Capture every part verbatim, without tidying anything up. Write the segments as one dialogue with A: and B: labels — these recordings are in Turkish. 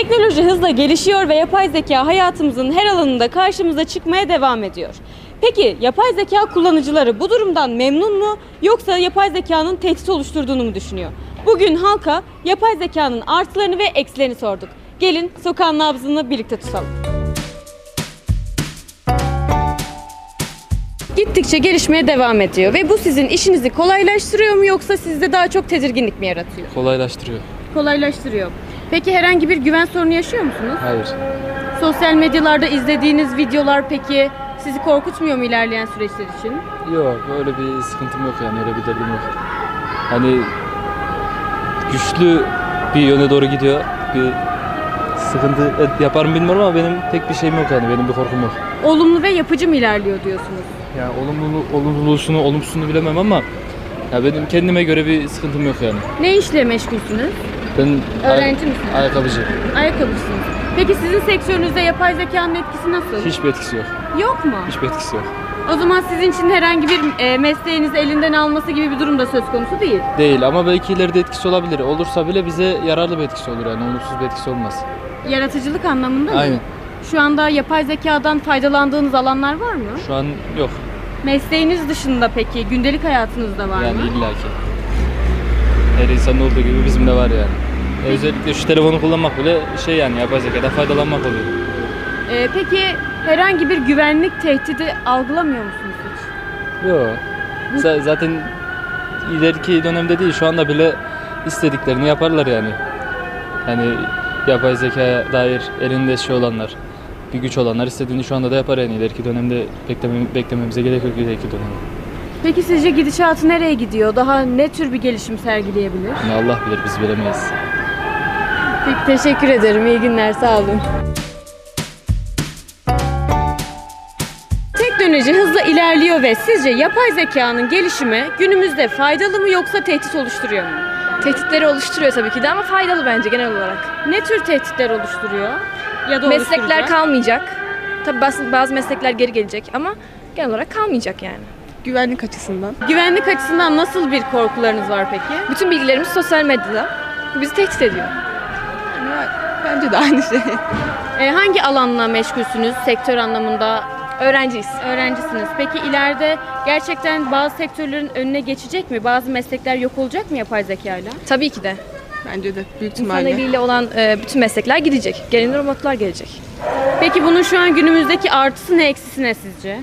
A: Teknoloji hızla gelişiyor ve yapay zeka hayatımızın her alanında karşımıza çıkmaya devam ediyor. Peki yapay zeka kullanıcıları bu durumdan memnun mu yoksa yapay zekanın tehdit oluşturduğunu mu düşünüyor? Bugün halka yapay zekanın artılarını ve eksilerini sorduk. Gelin sokağın nabzını birlikte tutalım. Gittikçe gelişmeye devam ediyor ve bu sizin işinizi kolaylaştırıyor mu yoksa sizde daha çok tedirginlik mi yaratıyor?
B: Kolaylaştırıyor.
A: Kolaylaştırıyor. Peki herhangi bir güven sorunu yaşıyor musunuz?
B: Hayır.
A: Sosyal medyalarda izlediğiniz videolar peki sizi korkutmuyor mu ilerleyen süreçler için?
B: Yok, öyle bir sıkıntım yok yani, öyle bir derdim yok. Hani güçlü bir yöne doğru gidiyor. Bir sıkıntı yapar mı bilmiyorum ama benim pek bir şeyim yok yani, benim bir korkum yok.
A: Olumlu ve yapıcı mı ilerliyor diyorsunuz?
B: Yani olumlu, olumlusunu, olumsuzunu bilemem ama ya benim kendime göre bir sıkıntım yok yani.
A: Ne işle meşgulsünüz?
B: Ben
A: Öğrenci misiniz?
B: Ayakkabıcı.
A: Ayakkabısınız. Peki sizin sektörünüzde yapay zekanın etkisi nasıl?
B: Hiçbir etkisi yok.
A: Yok mu?
B: Hiçbir etkisi yok.
A: O zaman sizin için herhangi bir e, mesleğinizi elinden alması gibi bir durum da söz konusu değil.
B: Değil ama belki ileride etkisi olabilir. Olursa bile bize yararlı bir etkisi olur yani, olumsuz bir etkisi olmaz.
A: Yaratıcılık anlamında mı?
B: Aynen.
A: Şu anda yapay zekadan faydalandığınız alanlar var mı?
B: Şu an yok.
A: Mesleğiniz dışında peki gündelik hayatınızda var
B: Yani
A: mı?
B: illaki. Her insanın olduğu gibi bizim de var yani. E, özellikle şu telefonu kullanmak bile şey yani, yapay zekadan faydalanmak oluyor.
A: Ee, peki herhangi bir güvenlik tehdidi algılamıyor musunuz hiç?
B: Yok. Z- zaten ileriki dönemde değil, şu anda bile istediklerini yaparlar yani. Hani yapay zekaya dair elinde şey olanlar, bir güç olanlar istediğini şu anda da yapar yani. İleriki dönemde bekleme, beklememize gerek yok ileriki dönemde.
A: Peki sizce gidişatı nereye gidiyor? Daha ne tür bir gelişim sergileyebilir?
B: Yani Allah bilir, biz bilemeyiz.
A: Peki teşekkür ederim. İyi günler. Sağ olun. Teknoloji hızla ilerliyor ve sizce yapay zekanın gelişimi günümüzde faydalı mı yoksa tehdit oluşturuyor mu?
C: Tehditleri oluşturuyor tabii ki de ama faydalı bence genel olarak.
A: Ne tür tehditler oluşturuyor? Ya da
C: Meslekler
A: oluşturacak?
C: kalmayacak. Tabii bazı, bazı meslekler geri gelecek ama genel olarak kalmayacak yani.
D: Güvenlik açısından.
A: Güvenlik açısından nasıl bir korkularınız var peki?
C: Bütün bilgilerimiz sosyal medyada. Bu bizi tehdit ediyor.
D: Yani bence de aynı şey.
A: Ee, hangi alanla meşgulsünüz sektör anlamında?
C: Öğrenciyiz.
A: Öğrencisiniz. Peki ileride gerçekten bazı sektörlerin önüne geçecek mi? Bazı meslekler yok olacak mı yapay zekayla?
C: Tabii ki de.
D: Bence de büyük
C: İnsan
D: ihtimalle.
C: eliyle olan e, bütün meslekler gidecek. Gelin robotlar gelecek.
A: Peki bunun şu an günümüzdeki artısı ne eksisi ne sizce?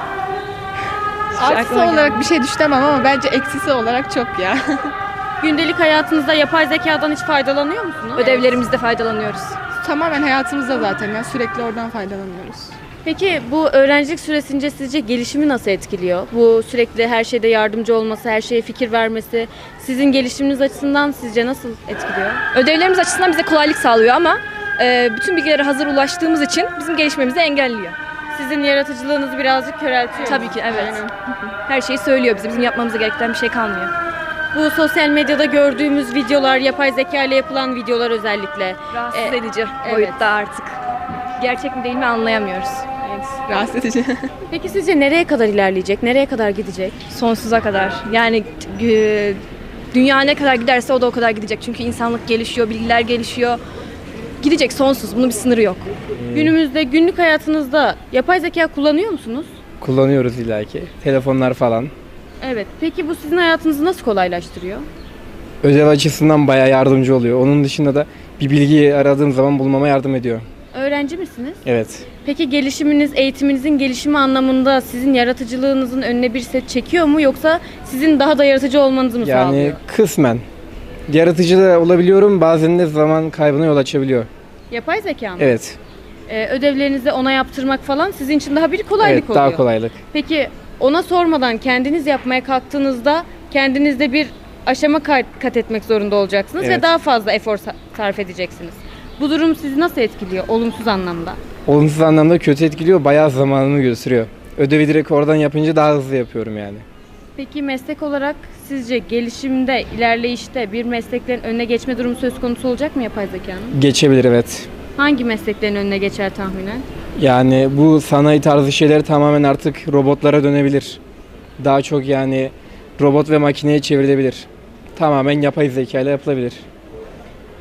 D: Artısı
C: aklıma
D: olarak bir şey düşünemem ama bence eksisi olarak çok ya.
A: Gündelik hayatınızda yapay zekadan hiç faydalanıyor musunuz?
C: Ödevlerimizde faydalanıyoruz.
D: Tamamen hayatımızda zaten ya, sürekli oradan faydalanıyoruz.
A: Peki bu öğrencilik süresince sizce gelişimi nasıl etkiliyor? Bu sürekli her şeyde yardımcı olması, her şeye fikir vermesi sizin gelişiminiz açısından sizce nasıl etkiliyor?
C: Ödevlerimiz açısından bize kolaylık sağlıyor ama e, bütün bilgilere hazır ulaştığımız için bizim gelişmemizi engelliyor.
A: Sizin yaratıcılığınızı birazcık köreltiyor.
C: Tabii ki evet. Her şeyi söylüyor bize. Bizim yapmamıza gereken bir şey kalmıyor.
A: Bu sosyal medyada gördüğümüz videolar, yapay zeka ile yapılan videolar özellikle.
C: Rahatsız
A: Ee,
C: edici
A: evet.
C: boyutta artık. Gerçek mi değil mi anlayamıyoruz.
A: Evet.
D: Rahatsız edici.
A: Peki sizce nereye kadar ilerleyecek? Nereye kadar gidecek?
C: Sonsuza kadar. Yani e, dünya ne kadar giderse o da o kadar gidecek. Çünkü insanlık gelişiyor, bilgiler gelişiyor. Gidecek sonsuz. Bunun bir sınırı yok.
A: Günümüzde günlük hayatınızda yapay zeka kullanıyor musunuz?
E: Kullanıyoruz illaki. Telefonlar falan.
A: Evet. Peki bu sizin hayatınızı nasıl kolaylaştırıyor?
E: Ödev açısından bayağı yardımcı oluyor. Onun dışında da bir bilgiyi aradığım zaman bulmama yardım ediyor.
A: Öğrenci misiniz?
E: Evet.
A: Peki gelişiminiz, eğitiminizin gelişimi anlamında sizin yaratıcılığınızın önüne bir set çekiyor mu yoksa sizin daha da yaratıcı olmanızı mı
E: Yani
A: sağlıyor?
E: kısmen. Yaratıcı da olabiliyorum. Bazen de zaman kaybına yol açabiliyor.
A: Yapay zeka mı?
E: Evet.
A: Ee, ödevlerinizi ona yaptırmak falan sizin için daha bir kolaylık
E: Evet,
A: oluyor.
E: daha kolaylık.
A: Peki ona sormadan kendiniz yapmaya kalktığınızda kendinizde bir aşama kat kat etmek zorunda olacaksınız ve
E: Evet.
A: daha fazla efor sa- sarf edeceksiniz. Bu durum sizi nasıl etkiliyor olumsuz anlamda?
E: Olumsuz anlamda kötü etkiliyor. Bayağı zamanımı gösteriyor. Ödevi direkt oradan yapınca daha hızlı yapıyorum yani.
A: Peki meslek olarak sizce gelişimde, ilerleyişte bir mesleklerin önüne geçme durumu söz konusu olacak mı yapay zekanın?
E: Geçebilir evet.
A: Hangi mesleklerin önüne geçer tahminen?
E: Yani bu sanayi tarzı şeyler tamamen artık robotlara dönebilir. Daha çok yani robot ve makineye çevrilebilir. Tamamen yapay zeka ile yapılabilir.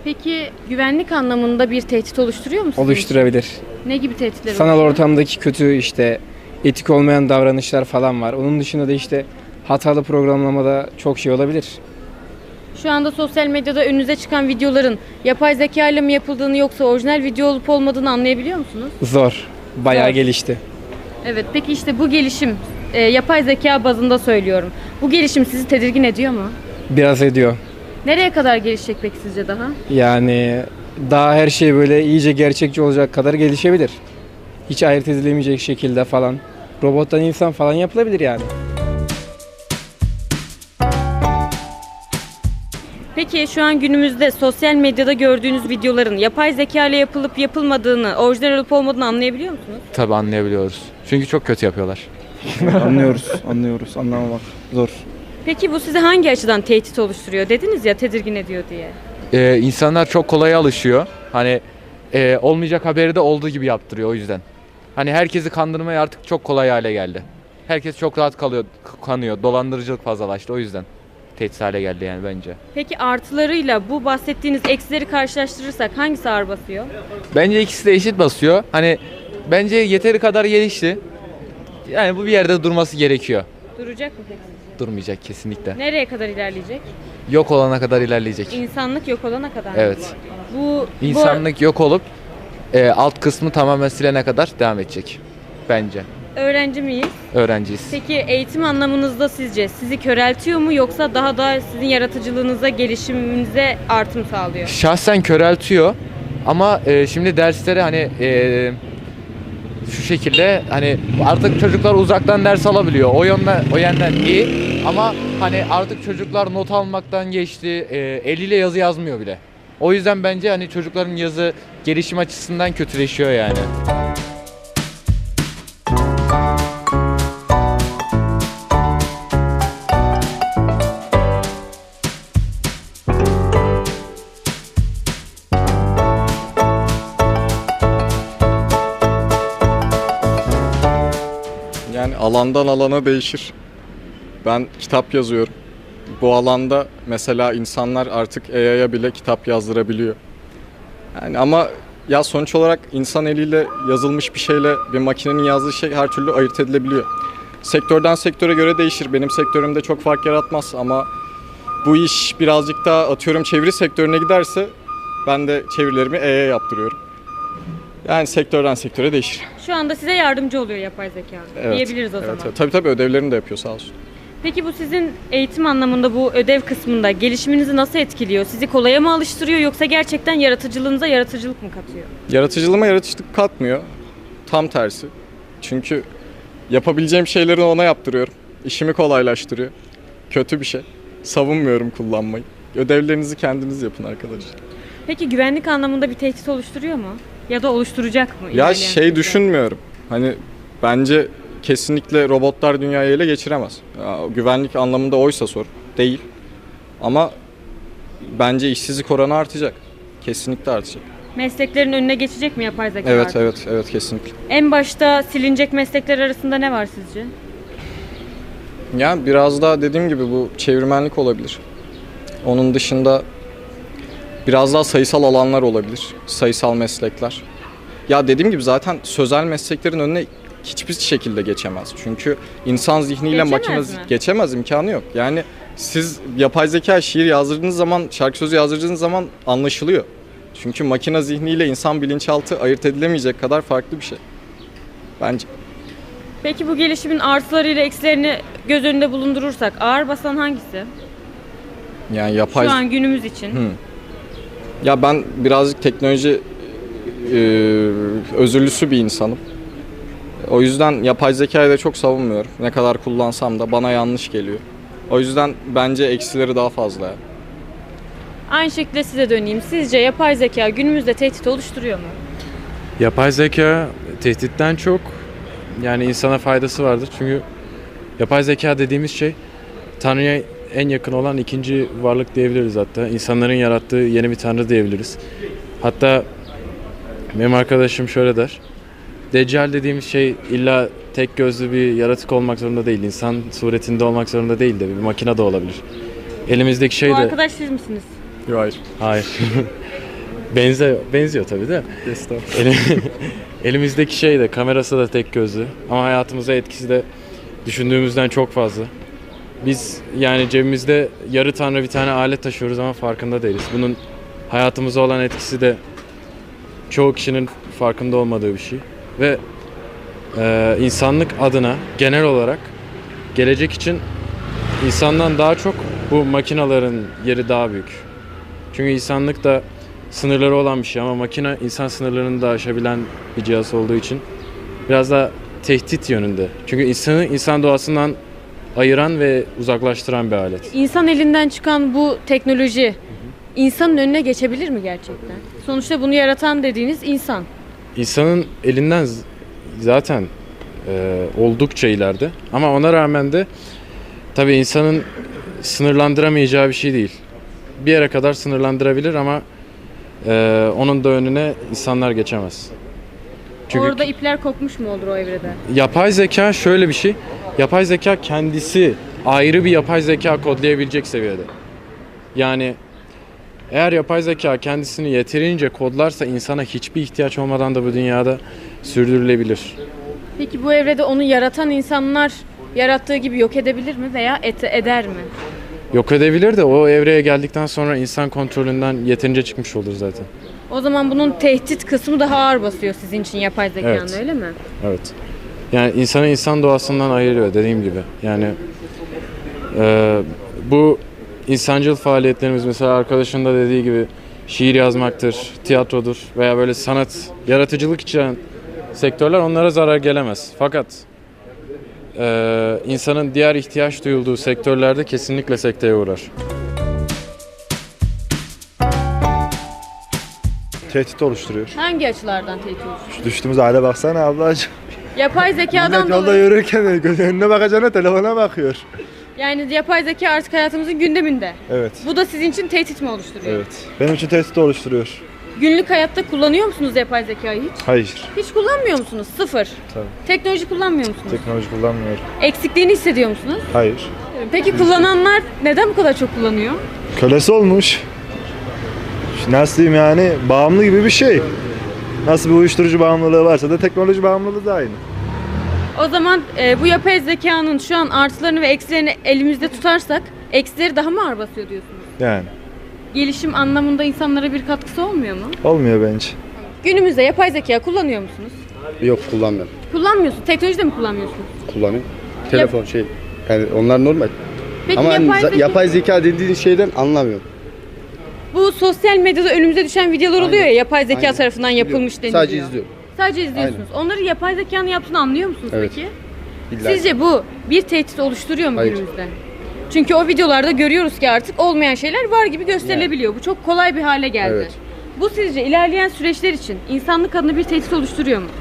A: Peki güvenlik anlamında bir tehdit oluşturuyor mu sizin için?
E: Oluşturabilir.
A: Ne gibi tehditler
E: Sanal
A: oluşturuyor?
E: ortamdaki kötü işte etik olmayan davranışlar falan var. Onun dışında da işte hatalı programlamada çok şey olabilir.
A: Şu anda sosyal medyada önünüze çıkan videoların yapay zeka ile mi yapıldığını yoksa orijinal video olup olmadığını anlayabiliyor musunuz?
E: Zor. Bayağı
A: Zor.
E: gelişti.
A: Evet, peki işte bu gelişim, e, yapay zeka bazında söylüyorum. Bu gelişim sizi tedirgin ediyor mu?
E: Biraz ediyor.
A: Nereye kadar gelişecek peki sizce daha?
E: Yani daha her şey böyle iyice gerçekçi olacak kadar gelişebilir. Hiç ayırt edilemeyecek şekilde falan. Robottan insan falan yapılabilir yani.
A: Peki şu an günümüzde sosyal medyada gördüğünüz videoların yapay zeka ile yapılıp yapılmadığını, orijinal olup olmadığını anlayabiliyor musunuz?
F: Tabii anlayabiliyoruz. Çünkü çok kötü yapıyorlar.
G: Anlıyoruz, anlıyoruz. Anlamamak zor.
A: Peki bu size hangi açıdan tehdit oluşturuyor? Dediniz ya tedirgin ediyor diye.
F: Ee, insanlar çok kolay alışıyor. Hani e, olmayacak haberi de olduğu gibi yaptırıyor o yüzden. Hani herkesi kandırmaya artık çok kolay hale geldi. Herkes çok rahat kalıyor, kanıyor. Dolandırıcılık fazlalaştı o yüzden. Tehdit hale geldi yani bence.
A: Peki artılarıyla bu bahsettiğiniz eksileri karşılaştırırsak hangisi ağır basıyor?
F: Bence ikisi de eşit basıyor. Hani bence yeteri kadar gelişti. Yani bu bir yerde durması gerekiyor.
A: Duracak mı peki sizce?
F: Durmayacak kesinlikle.
A: Nereye kadar ilerleyecek?
F: Yok olana kadar ilerleyecek.
A: İnsanlık yok olana kadar mı?
F: Evet.
A: Bu,
F: İnsanlık yok olup e, alt kısmı tamamen silene kadar devam edecek. Bence.
A: bu öğrenci miyiz?
F: Öğrenciyiz.
A: Peki eğitim anlamınızda sizce sizi köreltiyor mu yoksa daha da sizin yaratıcılığınıza, gelişiminize artım sağlıyor?
F: Şahsen köreltiyor ama e, şimdi derslere hani e, şu şekilde hani artık çocuklar uzaktan ders alabiliyor. O yönden o yönden iyi ama hani artık çocuklar not almaktan geçti. E, eliyle yazı yazmıyor bile. O yüzden bence hani çocukların yazı gelişim açısından kötüleşiyor yani.
G: Yani alandan alana değişir. Ben kitap yazıyorum. Bu alanda mesela insanlar artık A I'ya bile kitap yazdırabiliyor. Yani ama ya sonuç olarak insan eliyle yazılmış bir şeyle bir makinenin yazdığı şey her türlü ayırt edilebiliyor. Sektörden sektöre göre değişir. Benim sektörümde çok fark yaratmaz ama bu iş birazcık daha atıyorum çeviri sektörüne giderse ben de çevirilerimi A I'ya yaptırıyorum. Yani sektörden sektöre değişir.
A: Şu anda size yardımcı oluyor yapay zeka
G: Evet,
A: diyebiliriz o
G: evet,
A: zaman.
G: evet. Tabii tabii ödevlerini de yapıyor sağ olsun.
A: Peki bu sizin eğitim anlamında bu ödev kısmında gelişiminizi nasıl etkiliyor? Sizi kolaya mı alıştırıyor yoksa gerçekten yaratıcılığınıza yaratıcılık mı katıyor?
G: Yaratıcılığıma yaratıcılık katmıyor. Tam tersi. Çünkü yapabileceğim şeyleri ona yaptırıyorum. İşimi kolaylaştırıyor. Kötü bir şey. Savunmuyorum kullanmayı. Ödevlerinizi kendiniz yapın arkadaşlar.
A: Peki güvenlik anlamında bir tehdit oluşturuyor mu? Ya da oluşturacak mı?
G: Ya
A: ilerleyen
G: şey
A: süreçte?
G: düşünmüyorum. Hani bence kesinlikle robotlar dünyayı ele geçiremez. Ya, güvenlik anlamında oysa sor. Değil. Ama bence işsizlik oranı artacak. Kesinlikle artacak.
A: Mesleklerin önüne geçecek mi yapay zeka
G: Evet,
A: artık?
G: evet, evet kesinlikle.
A: En başta silinecek meslekler arasında ne var sizce?
G: Yani biraz daha dediğim gibi bu çevirmenlik olabilir. Onun dışında biraz daha sayısal alanlar olabilir. Sayısal meslekler. Ya dediğim gibi zaten sözel mesleklerin önüne hiçbir şekilde geçemez. Çünkü insan zihniyle
A: Geçemez
G: makine
A: mi?
G: zi- geçemez, imkanı yok. Yani siz yapay zeka şiir yazdırdığınız zaman, şarkı sözü yazdırdığınız zaman anlaşılıyor. Çünkü makine zihniyle insan bilinçaltı ayırt edilemeyecek kadar farklı bir şey. Bence.
A: Peki bu gelişimin artılarıyla eksilerini göz önünde bulundurursak ağır basan hangisi?
G: Yani yapay...
A: Şu an günümüz için.
G: Hı. Ya ben birazcık teknoloji e, özürlüsü bir insanım. O yüzden yapay zekayı da çok savunmuyorum. Ne kadar kullansam da bana yanlış geliyor. O yüzden bence eksileri daha fazla. Yani.
A: Aynı şekilde size döneyim. Sizce yapay zeka günümüzde tehdit oluşturuyor mu?
H: Yapay zeka tehditten çok yani insana faydası vardır. Çünkü yapay zeka dediğimiz şey Tanrı'ya en yakın olan ikinci varlık diyebiliriz hatta. İnsanların yarattığı yeni bir Tanrı diyebiliriz. Hatta benim arkadaşım şöyle der. Deccal dediğimiz şey illa tek gözlü bir yaratık olmak zorunda değil. İnsan suretinde olmak zorunda değil de bir makine de olabilir. Elimizdeki şey
A: Bu
H: de...
A: arkadaş siz misiniz?
G: Yok hayır.
H: Hayır. Benziyor, benziyor tabii de. Elim- Elimizdeki şey de, kamerası da tek gözlü. Ama hayatımıza etkisi de düşündüğümüzden çok fazla. Biz yani cebimizde yarı tanrı bir tane alet taşıyoruz ama farkında değiliz. Bunun hayatımıza olan etkisi de çoğu kişinin farkında olmadığı bir şey. Ve e, insanlık adına genel olarak gelecek için insandan daha çok bu makinaların yeri daha büyük. Çünkü insanlık da sınırları olan bir şey ama makine insan sınırlarını da aşabilen bir cihaz olduğu için biraz da tehdit yönünde. Çünkü insanı insan doğasından ayıran ve uzaklaştıran bir alet.
A: İnsan elinden çıkan bu teknoloji insanın önüne geçebilir mi gerçekten? Sonuçta bunu yaratan dediğiniz insan.
H: İnsanın elinden z- zaten e, oldukça ileride ama ona rağmen de tabii insanın sınırlandıramayacağı bir şey değil. Bir yere kadar sınırlandırabilir ama e, onun da önüne insanlar geçemez. Çünkü
A: Orada ipler kopmuş mu olur o evrede?
H: yapay zeka şöyle bir şey. Yapay zeka kendisi ayrı bir yapay zeka kodlayabilecek seviyede. Yani eğer yapay zeka kendisini yeterince kodlarsa insana hiçbir ihtiyaç olmadan da bu dünyada sürdürülebilir.
A: Peki bu evrede onu yaratan insanlar yarattığı gibi yok edebilir mi veya et- eder mi?
H: Yok edebilir de o evreye geldikten sonra insan kontrolünden yeterince çıkmış olur zaten.
A: O zaman bunun tehdit kısmı daha ağır basıyor sizin için yapay zekanın,
H: Evet.
A: öyle mi?
H: Evet. Yani insanı insan doğasından ayırıyor dediğim gibi. Yani e, bu insancıl faaliyetlerimiz mesela arkadaşın da dediği gibi şiir yazmaktır, tiyatrodur veya böyle sanat, yaratıcılık içeren sektörler onlara zarar gelemez. Fakat e, insanın diğer ihtiyaç duyulduğu sektörlerde kesinlikle sekteye uğrar.
I: Tehdit oluşturuyor.
A: Hangi açılardan tehdit oluşturuyor?
I: Şu düştüğümüz hale baksana ablacığım.
A: Yapay zekadan
I: Millet yolda
A: dolayı.
I: yürürken göz önüne bakacağına telefona bakıyor.
A: Yani yapay zeka artık hayatımızın gündeminde.
I: Evet.
A: Bu da sizin için tehdit mi oluşturuyor?
I: Evet. Benim için tehdit oluşturuyor.
A: Günlük hayatta kullanıyor musunuz yapay zekayı hiç?
I: Hayır.
A: Hiç kullanmıyor musunuz? Sıfır.
I: Tabii.
A: Teknoloji kullanmıyor musunuz?
I: Teknoloji kullanmıyorum.
A: Eksikliğini hissediyor musunuz?
I: Hayır.
A: Peki kullananlar neden bu kadar çok kullanıyor?
I: Kölesi olmuş. Nasıl diyeyim yani bağımlı gibi bir şey. Nasıl bir uyuşturucu bağımlılığı varsa da teknoloji bağımlılığı da aynı.
A: O zaman e, bu yapay zekanın şu an artılarını ve eksilerini elimizde tutarsak eksileri daha mı ağır basıyor diyorsunuz?
I: Yani
A: Gelişim anlamında insanlara bir katkısı olmuyor mu?
I: olmuyor bence.
A: Günümüzde yapay zeka kullanıyor musunuz?
J: Yok kullanmıyorum.
A: Kullanmıyorsun. Teknoloji de mi kullanmıyorsunuz?
J: Kullanıyorum. Telefon şey. Yani onlar normal.
A: Peki
J: Ama hani
A: yapay,
J: za-
A: zeka,
J: yapay zeka dediğin şeyden anlamıyorum.
A: bu sosyal medyada önümüze düşen videolar
J: Aynen.
A: oluyor ya yapay zeka
J: Aynen.
A: tarafından yapılmış deniliyor.
J: Sadece izliyorum.
A: Sadece izliyorsunuz. Onları yapay zekanın yaptığını anlıyor musunuz
J: Evet.
A: peki?
J: İlla.
A: Sizce bu bir tehdit oluşturuyor mu
J: Hayır.
A: günümüzde? Çünkü o videolarda görüyoruz ki artık olmayan şeyler var gibi gösterilebiliyor. Bu çok kolay bir hale geldi.
J: Evet.
A: Bu sizce ilerleyen süreçler için insanlık adına bir tehdit oluşturuyor mu?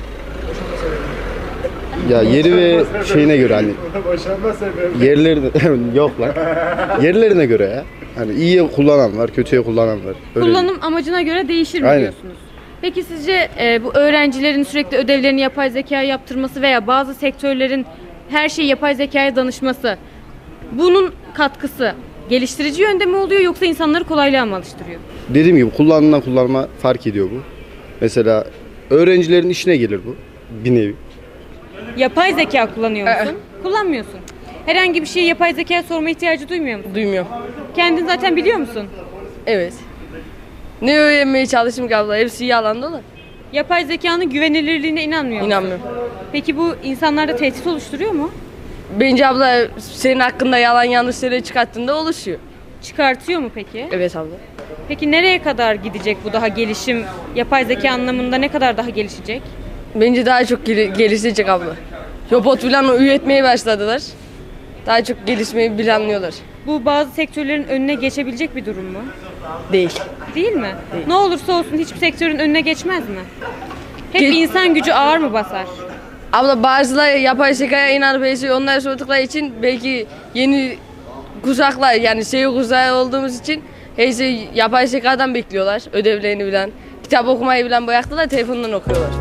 J: Ya yeri ve şeyine göre hani yerlerine yok lan. Yerlerine göre ya. Hani iyiye kullanan var, kötüye kullanan var. Öyle
A: Kullanım amacına göre değişir mi
J: Aynen.
A: diyorsunuz? Peki sizce e, bu öğrencilerin sürekli ödevlerini yapay zekaya yaptırması veya bazı sektörlerin her şeyi yapay zekaya danışması, bunun katkısı geliştirici yönde mi oluyor yoksa insanları kolaylığa mı alıştırıyor?
J: Dediğim gibi kullanılan kullanma fark ediyor bu. Mesela öğrencilerin işine gelir bu bir nevi.
A: Yapay zeka kullanıyor musun? Kullanmıyorsun. Herhangi bir şeyi yapay zekaya sorma ihtiyacı duymuyor musun?
K: Duymuyorum.
A: Kendin zaten biliyor musun?
K: Evet. Ne öğrenmeye çalıştım ki abla? Hepsi yalan dolu.
A: Yapay zekanın güvenilirliğine inanmıyor musun?
K: İnanmıyorum.
A: Peki bu insanlarda tehdit oluşturuyor mu?
K: Bence abla senin hakkında yalan yanlış şeyler çıkarttığında oluşuyor.
A: Çıkartıyor mu peki?
K: Evet abla.
A: Peki nereye kadar gidecek bu daha gelişim? Yapay zeka anlamında ne kadar daha gelişecek?
K: Bence daha çok gel- gelişecek abla. Robot falan üretmeye başladılar. Daha çok gelişmeyi planlıyorlar.
A: Bu bazı sektörlerin önüne geçebilecek bir durum mu?
K: Değil.
A: Değil mi? Ne olursa olsun hiçbir sektörün önüne geçmez mi? Hep
K: Ge-
A: insan gücü ağır mı basar?
K: Abla bazıları yapay zekaya inanıp her şeyi onlara sordukları için belki yeni kuşaklar yani şey kuşağı olduğumuz için her şeyi yapay zekadan bekliyorlar. Ödevlerini bilen, kitap okumayı bilen bıraktılar telefondan okuyorlar.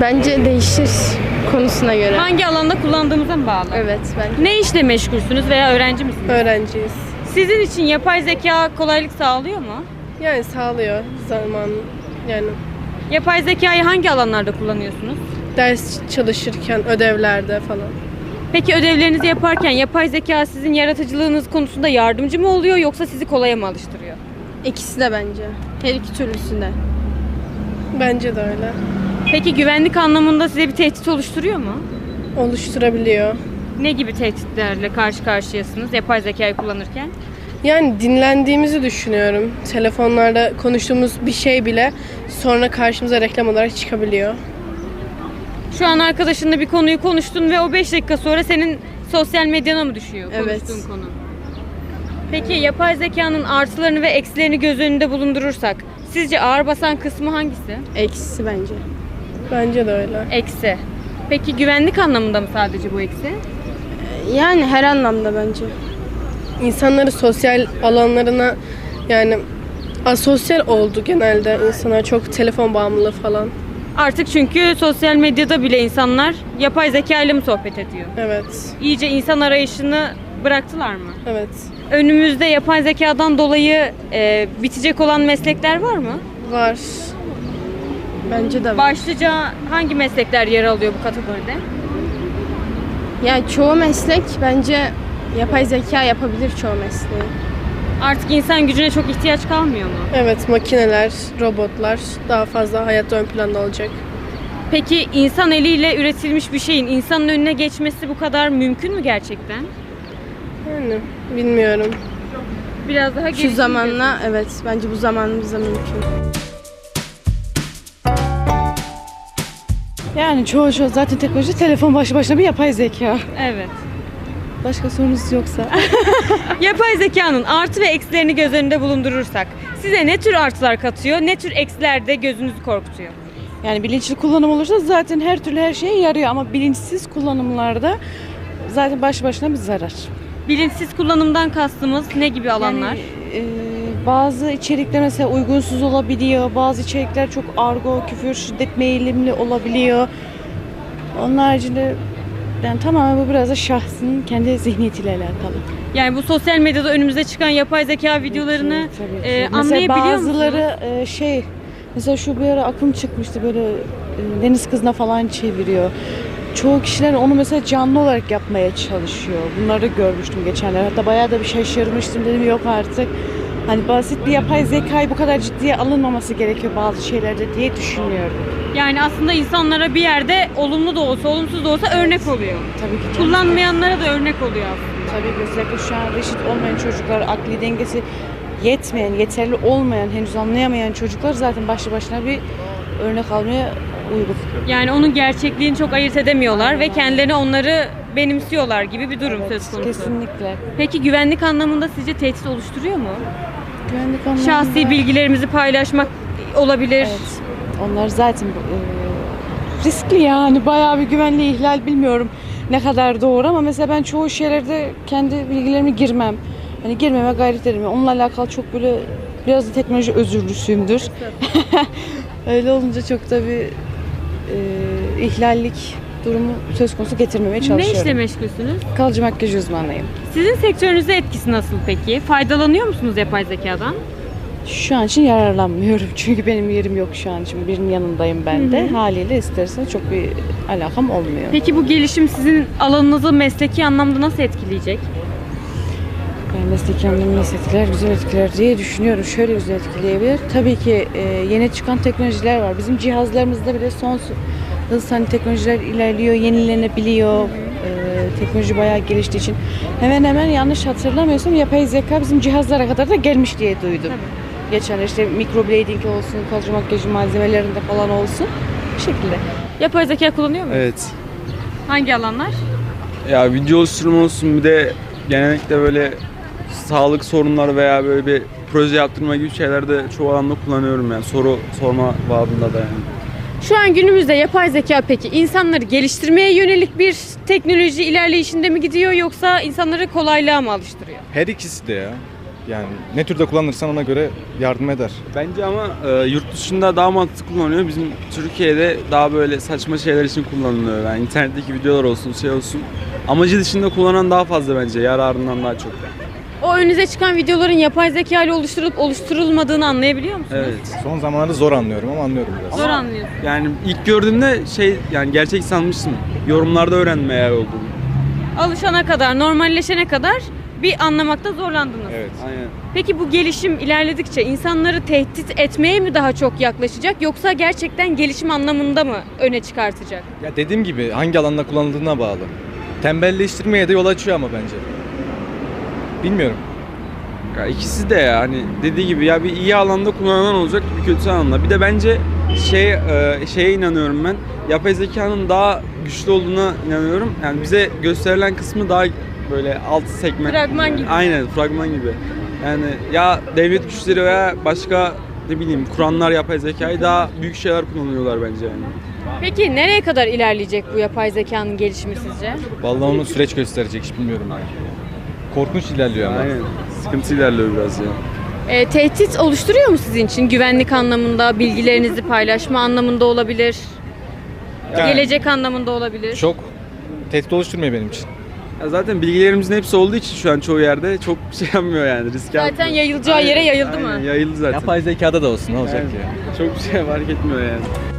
L: Bence değişir konusuna göre.
A: Hangi alanda kullandığımıza mı bağlı?
L: Evet bence.
A: Ne işle meşgulsünüz veya öğrenci misiniz?
M: Öğrenciyiz.
A: Sizin için yapay zeka kolaylık sağlıyor mu?
M: Yani sağlıyor zaman yani.
A: Yapay zekayı hangi alanlarda kullanıyorsunuz?
M: Ders çalışırken, ödevlerde falan.
A: Peki ödevlerinizi yaparken yapay zeka sizin yaratıcılığınız konusunda yardımcı mı oluyor yoksa sizi kolaya mı alıştırıyor?
L: İkisi de bence. Her iki türlüsünde.
M: Bence de öyle.
A: Peki güvenlik anlamında size bir tehdit oluşturuyor mu?
M: Oluşturabiliyor.
A: Ne gibi tehditlerle karşı karşıyasınız yapay zekayı kullanırken?
M: Yani dinlendiğimizi düşünüyorum. Telefonlarda konuştuğumuz bir şey bile sonra karşımıza reklam olarak çıkabiliyor.
A: Şu an arkadaşınla bir konuyu konuştun ve o beş dakika sonra senin sosyal medyana mı düşüyor
M: Evet.
A: konuştuğun konu? Peki yapay zekanın artılarını ve eksilerini göz önünde bulundurursak sizce ağır basan kısmı hangisi?
L: Eksisi bence.
M: Bence de öyle.
A: Eksi. Peki güvenlik anlamında mı sadece bu eksi?
L: Yani her anlamda bence.
M: İnsanları sosyal alanlarına yani asosyal oldu genelde insanlar, çok telefon bağımlılığı falan.
A: Artık çünkü sosyal medyada bile insanlar yapay zeka ile mi sohbet ediyor?
M: Evet.
A: İyice insan arayışını bıraktılar mı?
M: Evet.
A: Önümüzde yapay zekadan dolayı e, bitecek olan meslekler var mı?
M: Var.
L: Bence de var.
A: Başlıca hangi meslekler yer alıyor bu kategoride?
L: Yani çoğu meslek bence yapay zeka yapabilir çoğu mesleği.
A: Artık insan gücüne çok ihtiyaç kalmıyor mu?
M: Evet, makineler, robotlar daha fazla hayatta ön planda olacak.
A: Peki insan eliyle üretilmiş bir şeyin insanın önüne geçmesi bu kadar mümkün mü gerçekten?
M: Yani bilmiyorum.
A: Biraz daha
L: Şu zamanla evet bence bu zamanımızda mümkün.
N: Yani çoğu çoğu zaten teknoloji telefon başlı başına bir yapay zeka.
A: Evet.
N: Başka sorunuz yoksa.
A: Yapay zekanın artı ve eksilerini göz önünde bulundurursak size ne tür artılar katıyor, ne tür eksiler de gözünüzü korkutuyor?
N: Yani bilinçli kullanım olursa zaten her türlü her şeye yarıyor ama bilinçsiz kullanımlarda zaten baş başına bir zarar.
A: Bilinçsiz kullanımdan kastımız ne gibi alanlar?
N: Yani, e, bazı içerikler mesela uygunsuz olabiliyor, bazı içerikler çok argo, küfür, şiddet meyillimli olabiliyor. Onun haricinde yani tamamen bu biraz da şahsın kendi zihniyetiyle alakalı.
A: Yani bu sosyal medyada önümüze çıkan yapay zeka videolarını
N: Tabii ki, tabii ki.
A: e,
N: Mesela
A: anlayabiliyor
N: bazıları
A: musunuz?
N: e, şey mesela şu bir ara akım çıkmıştı böyle e, deniz kızına falan çeviriyor. Çoğu kişiler onu mesela canlı olarak yapmaya çalışıyor. Bunları görmüştüm geçenler. Hatta bayağı da bir şaşırmıştım, dedim yok artık. Hani basit bir yapay zekayı bu kadar ciddiye alınmaması gerekiyor bazı şeylerde diye düşünüyorum.
A: Yani aslında insanlara bir yerde olumlu da olsa, olumsuz da olsa örnek oluyor.
N: Tabii ki. canım.
A: Kullanmayanlara da örnek oluyor aslında.
N: Tabii ki özellikle şu an reşit olmayan çocuklar, akli dengesi yetmeyen, yeterli olmayan, henüz anlayamayan çocuklar zaten başlı başına bir örnek almaya uygun.
A: Yani onun gerçekliğini çok ayırt edemiyorlar
N: Aynen.
A: ve kendilerine onları benimsiyorlar gibi bir durum
N: Evet,
A: söz konusu.
N: kesinlikle.
A: Peki güvenlik anlamında sizce tehdit oluşturuyor mu?
N: Güvenlik anlamında...
A: Şahsi bilgilerimizi paylaşmak olabilir.
N: Evet. Onlar zaten e, riskli yani. Bayağı bir güvenliği ihlal, bilmiyorum ne kadar doğru ama mesela ben çoğu şeylerde kendi bilgilerimi girmem. Hani girmeme gayret ederim. Onunla alakalı çok böyle biraz da teknoloji özürlüsüyümdür. Öyle olunca çok da bir e, ihlallik durumu söz konusu getirmemeye çalışıyorum.
A: Ne işle meşgulsünüz?
N: Kalıcı makyaj uzmanıyım.
A: Sizin sektörünüze etkisi nasıl peki? Faydalanıyor musunuz yapay zekadan?
N: Şu an için yararlanmıyorum çünkü benim yerim yok şu an için. Birinin yanındayım ben de. Hı hı. Haliyle istersen çok bir alakam olmuyor.
A: Peki bu gelişim sizin alanınızı mesleki anlamda nasıl etkileyecek?
N: Yani mesleki anlamda nasıl etkiler? Güzel etkiler diye düşünüyorum. Şöyle güzel etkileyebilir. Tabii ki e, yeni çıkan teknolojiler var. Bizim cihazlarımızda bile son hız hani teknolojiler ilerliyor, yenilenebiliyor. E, teknoloji bayağı geliştiği için. Hemen hemen yanlış hatırlamıyorsam yapay zeka bizim cihazlara kadar da gelmiş diye duydum. Tabii. Geçen işte microblading olsun, kalıcı makyaj malzemelerinde falan olsun. Bu şekilde.
A: Yapay zeka kullanıyor musunuz?
O: Evet.
A: Hangi alanlar?
O: Ya video oluşturma olsun, bir de genellikle böyle sağlık sorunları veya böyle bir proje yaptırma gibi şeylerde çoğu alanda kullanıyorum yani. Soru sorma babında da yani.
A: Şu an günümüzde yapay zeka peki insanları geliştirmeye yönelik bir teknoloji ilerleyişinde mi gidiyor yoksa insanları kolaylığa mı alıştırıyor?
I: Her ikisi de ya.
P: Yani ne türde kullanırsan ona göre yardım eder.
O: Bence ama e, yurt dışında daha mantıklı kullanılıyor. Bizim Türkiye'de daha böyle saçma şeyler için kullanılıyor. Yani internetteki videolar olsun, şey olsun. Amacı dışında kullanan daha fazla bence, yararından daha çok.
A: O önünüze çıkan videoların yapay zeka ile oluşturulup oluşturulmadığını anlayabiliyor musunuz?
O: Evet.
P: Son zamanlarda zor anlıyorum ama anlıyorum biraz.
A: Zor anlıyorsun.
O: Yani ilk gördüğümde şey, yani gerçek sanmıştım. Yorumlarda öğrendim eğer olduğunu.
A: Alışana kadar, normalleşene kadar bir anlamakta zorlandınız.
P: Evet.
O: Aynen.
A: Peki bu gelişim ilerledikçe insanları tehdit etmeye mi daha çok yaklaşacak yoksa gerçekten gelişim anlamında mı öne çıkartacak?
P: Ya dediğim gibi hangi alanda kullanıldığına bağlı. Tembelleştirmeye de yol açıyor ama bence. Bilmiyorum.
O: Ya ikisi de ya, hani dediği gibi ya, bir iyi alanda kullanan olacak, bir kötü alanda. Bir de bence şey e, şeye inanıyorum ben. Yapay zekanın daha güçlü olduğuna inanıyorum. Yani bize gösterilen kısmı daha böyle alt segment.
A: Fragman gibi.
O: Aynen, fragman gibi. Yani ya devlet güçleri veya başka ne bileyim kuranlar yapay zekayı daha büyük şeyler kullanıyorlar bence yani.
A: Peki nereye kadar ilerleyecek bu yapay zekanın gelişimi sizce?
P: Vallahi onu süreç gösterecek, hiç bilmiyorum. Korkunç ilerliyor ama.
O: Aynen. Sıkıntı ilerliyor biraz ya.
A: E, tehdit oluşturuyor mu sizin için? Güvenlik anlamında, bilgilerinizi paylaşma anlamında olabilir.
P: Yani,
A: gelecek anlamında olabilir.
P: Çok tehdit oluşturmuyor benim için.
O: Ya zaten bilgilerimizin hepsi olduğu için şu an çoğu yerde çok şey yapmıyor yani, risk
A: Zaten
O: yapmıyor.
A: yayılacağı
O: Aynen,
A: yere yayıldı
O: aynen,
A: mı?
O: Yayıldı zaten.
P: Yapay zekada da olsun, ne olacak
O: Aynen.
P: ki?
O: Çok bir şey fark etmiyor yani.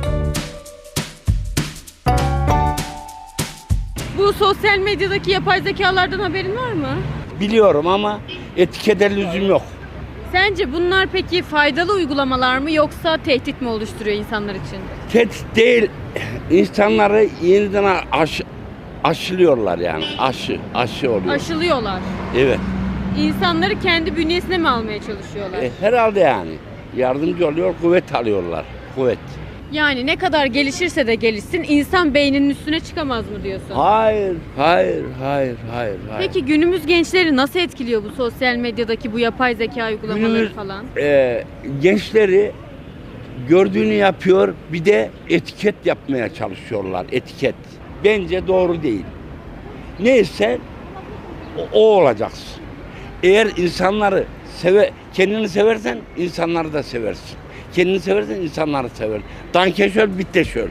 A: Bu sosyal medyadaki yapay zekalardan haberin var mı?
Q: Biliyorum ama etikete lüzum yok.
A: Sence bunlar peki faydalı uygulamalar mı yoksa tehdit mi oluşturuyor insanlar için?
Q: Tehdit değil, insanları yeniden aş, aşılıyorlar yani. Aşı, aşı oluyor.
A: Aşılıyorlar.
Q: Evet.
A: İnsanları kendi bünyesine mi almaya çalışıyorlar?
Q: E, herhalde yani. Yardımcı oluyor, kuvvet alıyorlar. Kuvvet.
A: Yani ne kadar gelişirse de gelişsin insan beyninin üstüne çıkamaz mı diyorsun?
Q: Hayır, hayır, hayır, hayır, hayır.
A: Peki günümüz gençleri nasıl etkiliyor bu sosyal medyadaki bu yapay zeka uygulamaları
Q: Günümüz,
A: falan?
Q: E, gençleri gördüğünü yapıyor, bir de etiket yapmaya çalışıyorlar, etiket. Bence doğru değil. Neyse o, o olacaksın. Eğer insanları seve, kendini seversen insanları da seversin. Kendini seversen insanları sever. Danke schön, bitte schön.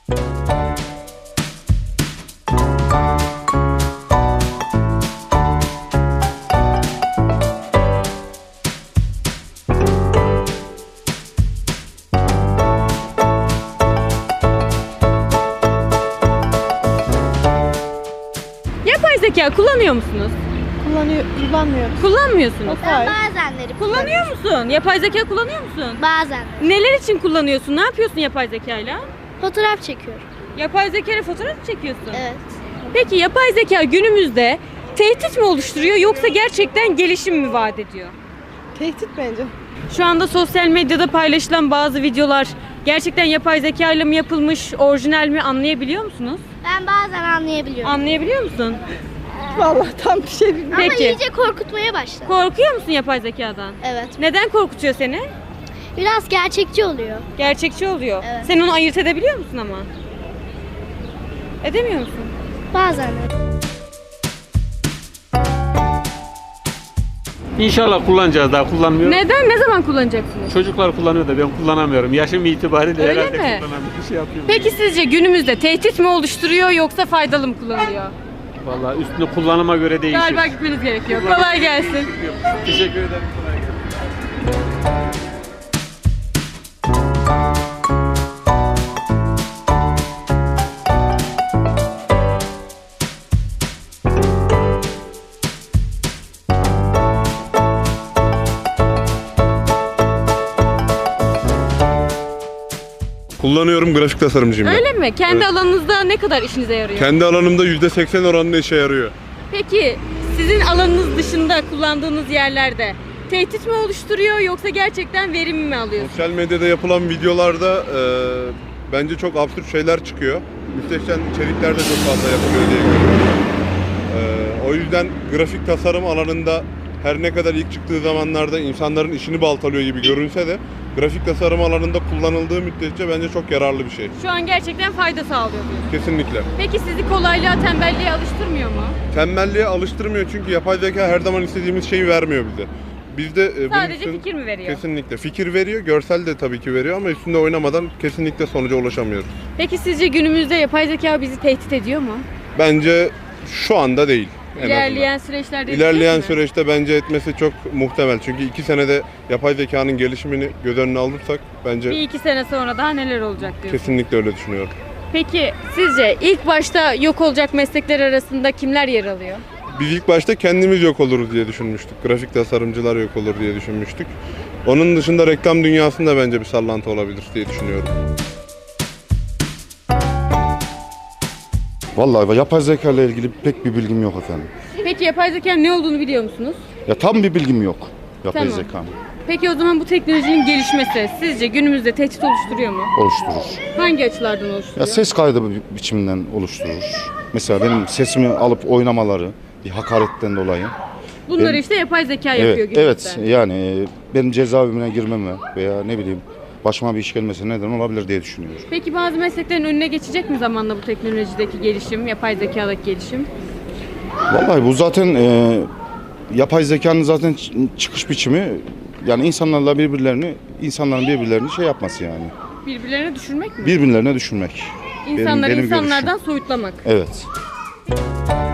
A: Yapay zeka kullanıyor musunuz?
L: Kullanıyor, kullanmıyorum.
A: Kullanmıyorsunuz.
L: Hayır.
R: Bazenleri
A: Kullanıyor musun? Yapay zeka kullanıyor musun?
R: Bazen.
A: Neler için kullanıyorsun? Ne yapıyorsun yapay zekayla?
R: Fotoğraf çekiyorum.
A: Yapay zekayla fotoğraf mı çekiyorsun?
R: Evet.
A: Peki yapay zeka günümüzde tehdit mi oluşturuyor yoksa gerçekten gelişim mi vaat ediyor?
L: Tehdit bence.
A: Şu anda sosyal medyada paylaşılan bazı videolar gerçekten yapay zeka ile mi yapılmış, orijinal mi anlayabiliyor musunuz?
R: Ben bazen anlayabiliyorum.
A: Anlayabiliyor musun?
L: Vallahi tam bir şey bilmiyorum.
R: Ama
A: Peki.
R: iyice korkutmaya başladı.
A: Korkuyor musun yapay zekadan?
R: Evet.
A: Neden korkutuyor seni?
R: Biraz gerçekçi oluyor.
A: Gerçekçi oluyor.
R: Evet.
A: Sen onu ayırt edebiliyor musun ama? Edemiyor musun?
R: Bazen.
S: İnşallah kullanacağız, daha kullanmıyorum.
A: Neden? Ne zaman kullanacaksınız?
S: Çocuklar kullanıyor da ben kullanamıyorum. Yaşım itibariyle
A: Öyle
S: herhalde
A: mi?
S: kullanamıyorum. Bir şey yapıyorum.
A: Peki sizce günümüzde tehdit mi oluşturuyor yoksa faydalı mı kullanılıyor?
S: Vallahi üstüne kullanıma göre değişir.
A: Galiba gitmeniz gerekiyor. Kolay gelsin.
S: Teşekkür ederim. Kolay gelsin.
T: Kullanıyorum, grafik tasarımcıyım ben.
A: Öyle mi? Kendi
T: Evet.
A: alanınızda ne kadar işinize yarıyor?
T: Kendi alanımda yüzde seksen oranında işe yarıyor.
A: Peki sizin alanınız dışında kullandığınız yerlerde tehdit mi oluşturuyor yoksa gerçekten verim mi alıyorsunuz?
T: Sosyal medyada yapılan videolarda e, bence çok absürt şeyler çıkıyor. Müstehcen içerikler de çok fazla yapılıyor diye görüyorum. E, o yüzden grafik tasarım alanında her ne kadar ilk çıktığı zamanlarda insanların işini baltalıyor gibi görünse de grafik tasarım alanında kullanıldığı müddetçe bence çok yararlı bir şey.
A: Şu an gerçekten fayda sağlıyor diyorsunuz.
T: Kesinlikle.
A: Peki sizi kolaylığa, tembelliğe alıştırmıyor mu?
T: Tembelliğe alıştırmıyor çünkü yapay zeka her zaman istediğimiz şeyi vermiyor bize. Bizde e, bunun
A: Sadece
T: için
A: fikir mi veriyor?
T: kesinlikle fikir veriyor, görsel de tabii ki veriyor ama üstünde oynamadan kesinlikle sonuca ulaşamıyoruz.
A: Peki sizce günümüzde yapay zeka bizi tehdit ediyor mu?
T: Bence şu anda değil. En
A: İlerleyen
T: azından.
A: süreçlerde
T: İlerleyen
A: edecek mi?
T: süreçte bence etmesi çok muhtemel. Çünkü iki senede yapay zekanın gelişimini göz önüne alırsak bence
A: Bir iki sene sonra daha neler olacak diyorsunuz?
T: kesinlikle öyle düşünüyorum.
A: Peki sizce ilk başta yok olacak meslekler arasında kimler yer alıyor?
T: Biz ilk başta kendimiz yok oluruz diye düşünmüştük. Grafik tasarımcılar yok olur diye düşünmüştük. Onun dışında reklam dünyasında bence bir sallantı olabilir diye düşünüyorum.
U: Vallahi yapay zeka ile ilgili pek bir bilgim yok efendim.
A: Peki yapay zekanın ne olduğunu biliyor musunuz?
U: Ya tam bir bilgim yok yapay
A: Tamam.
U: zekanın.
A: Peki o zaman bu teknolojinin gelişmesi sizce günümüzde tehdit oluşturuyor mu?
U: Oluşturur.
A: Hangi açılardan
U: Ya
A: oluşturuyor?
U: ses kaydı bi- biçiminden oluşturur. Mesela benim sesimi alıp oynamaları bir hakaretten dolayı.
A: Bunları
U: benim-
A: işte yapay zeka yapıyor
U: Evet,
A: günümüzde.
U: evet yani e, benim cezaevine girmeme veya ne bileyim başıma bir iş gelmesi neden olabilir diye düşünüyorum.
A: Peki bazı mesleklerin önüne geçecek mi zamanla bu teknolojideki gelişim, yapay zekadaki gelişim?
U: Vallahi bu zaten e, yapay zekanın zaten ç- çıkış biçimi yani insanlarla birbirlerini, insanların birbirlerini şey yapması yani.
A: Birbirlerine düşürmek mi?
U: Birbirlerine düşürmek. Benim-
A: İnsanları
U: benim
A: insanlardan
U: görüşüm.
A: soyutlamak.
U: Evet.